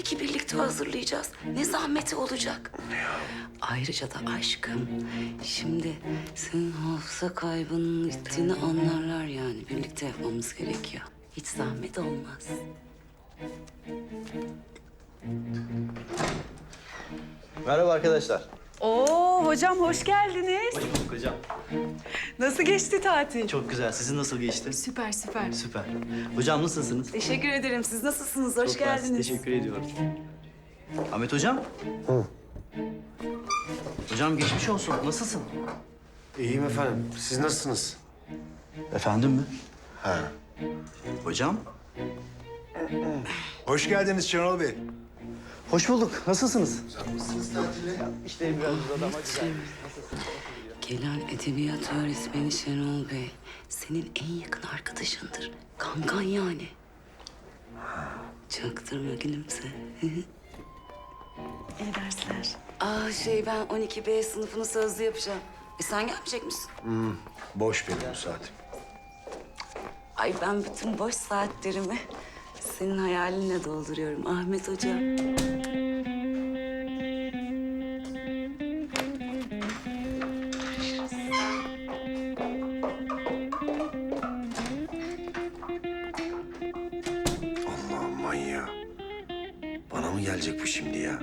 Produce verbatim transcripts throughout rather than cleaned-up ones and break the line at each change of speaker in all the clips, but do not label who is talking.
ki birlikte hazırlayacağız. Ne zahmeti olacak. Ayrıca da aşkım, şimdi senin hafıza kaybının gittiğini anlarlar yani. Birlikte yapmamız gerekiyor. Hiç zahmet olmaz.
Merhaba arkadaşlar.
Oo hocam hoş geldiniz.
Hoş bulduk hocam.
Nasıl geçti tatil?
Çok güzel. Sizin nasıl geçti?
Süper süper.
Süper. Hocam nasılsınız?
Teşekkür ederim. Siz nasılsınız? Hoş
Çok mersi,
geldiniz.
Teşekkür ediyorum. Ahmet hocam. Hı. Hocam geçmiş olsun. Nasılsın?
İyiyim efendim. Siz nasılsınız?
Efendim mi?
Ha.
Hocam.
Hoş geldiniz Şenol Bey.
Hoş bulduk. Nasılsınız?
Nasılsınız tatile?
İşte biraz uzadı ama güzel.
Gelen edebiyat öğretmeni Şenol Bey, senin en yakın arkadaşındır. Kankan yani. Çaktırma gülümse.
İyi dersler.
Aa şey ben on iki B sınıfını sözlü yapacağım. E sen gelmeyecek misin?
Boş benim bu saatim.
Ay ben bütün boş saatlerimi senin hayalinle dolduruyorum Ahmet Hoca.
Allah'ım manyağı. Bana mı gelecek bu şimdi ya?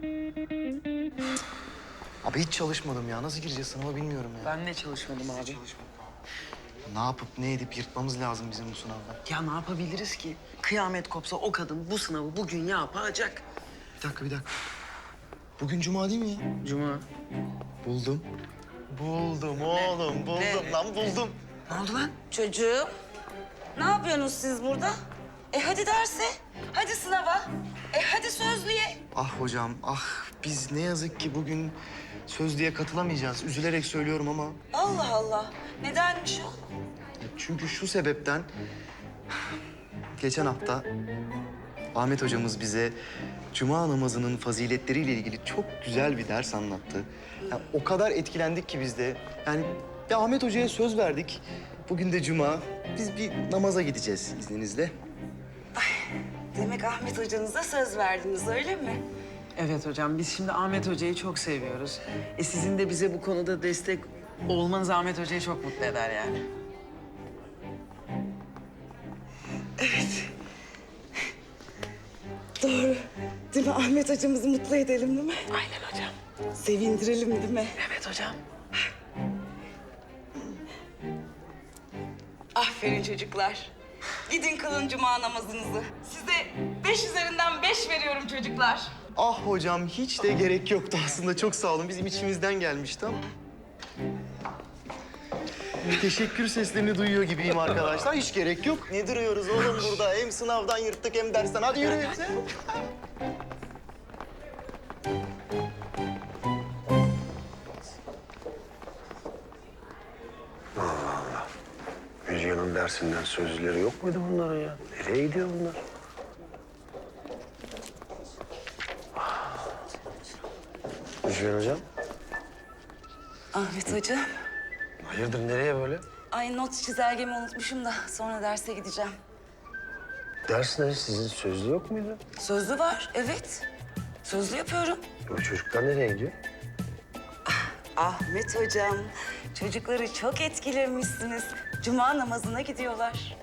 Abi hiç çalışmadım ya. Nasıl gireceğiz sınava bilmiyorum ya.
Ben de çalışmadım abi.
Ne yapıp ne edip yırtmamız lazım bizim bu sınavdan.
Ya ne yapabiliriz ki? Kıyamet kopsa o kadın bu sınavı bugün yapacak.
Bir dakika bir dakika. Bugün cuma değil mi ya?
Cuma.
Buldum. Buldum oğlum. Buldum
Ne?
lan buldum.
Ne oldu lan?
Çocuğum, ne yapıyorsunuz siz burada? E hadi derse, hadi sınava, e hadi sözlüye.
Ah hocam ah. Biz ne yazık ki bugün sözlüğe katılamayacağız. Üzülerek söylüyorum ama.
Allah Allah, nedenmiş o?
Çünkü şu sebepten... Geçen hafta Ahmet hocamız bize cuma namazının faziletleriyle ilgili çok güzel bir ders anlattı. Ya, o kadar etkilendik ki biz de. Yani ya Ahmet hocaya söz verdik. Bugün de cuma. Biz bir namaza gideceğiz izninizle.
Demek Ahmet hocanıza söz verdiniz öyle mi?
Evet hocam biz şimdi Ahmet Hoca'yı çok seviyoruz. E sizin de bize bu konuda destek olmanız Ahmet Hoca'yı çok mutlu eder yani.
Doğru. Değil mi? Ahmet hocamızı mutlu edelim değil mi?
Aynen hocam.
Sevindirelim değil mi?
Evet hocam.
Aferin çocuklar. Gidin kılın cuma namazınızı. Size beş üzerinden beş veriyorum çocuklar.
Ah hocam hiç de gerek yoktu aslında. Çok sağ olun. Bizim içimizden gelmişti ama. Teşekkür seslerini duyuyor gibiyim arkadaşlar. Hiç gerek yok. Ne duruyoruz oğlum burada? Hem sınavdan yırttık hem dersten. Hadi yürü.
Müjgan'ın dersinden sözleri yok muydu bunların ya? Nereye gidiyor bunlar? Müjgan hocam.
Ahmet hocam.
Hayırdır nereye böyle?
Ay not çizelgemi unutmuşum da sonra derse gideceğim.
Ders ne? Sizin sözlü yok muydu?
Sözlü var, evet. Sözlü yapıyorum.
Bu çocuklar nereye gidiyor?
Ahmet hocam, çocukları çok etkilemişsiniz. Cuma namazına gidiyorlar.